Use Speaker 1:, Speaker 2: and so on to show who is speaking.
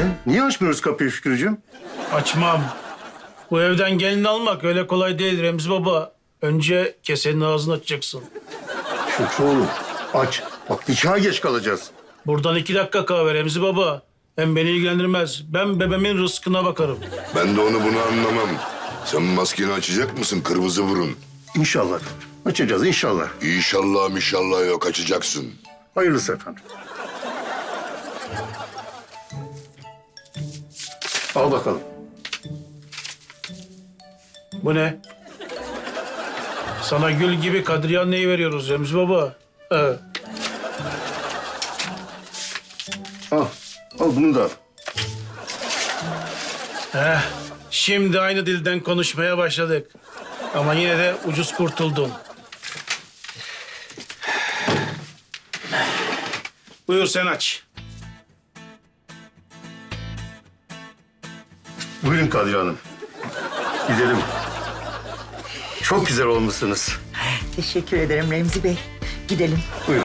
Speaker 1: Niye açmıyoruz kapıyı Şükrücüğüm?
Speaker 2: Açmam. Bu evden gelin almak öyle kolay değil Remzi Baba. Önce kesenin ağzını açacaksın.
Speaker 1: Şükrü oğlum aç. Bak nikaha geç kalacağız.
Speaker 2: Buradan 2 dakika kahve Remzi Baba. Hem beni ilgilendirmez. Ben bebeğimin rızkına bakarım.
Speaker 3: Ben de onu bunu anlamam. Sen maskeni açacak mısın kırmızı burun?
Speaker 1: İnşallah. Açacağız inşallah.
Speaker 3: İnşallah yok açacaksın.
Speaker 1: Hayırlısı efendim. Al bakalım.
Speaker 2: Bu ne? Sana gül gibi Kadriye anneyi veriyoruz Remzi Baba. Evet.
Speaker 1: Al. Al bunu da al.
Speaker 2: Şimdi aynı dilden konuşmaya başladık. Ama yine de ucuz kurtuldun. Buyur sen aç.
Speaker 1: Buyurun Kadriye Hanım. Gidelim. Çok güzel olmuşsunuz.
Speaker 4: Teşekkür ederim Remzi Bey. Gidelim.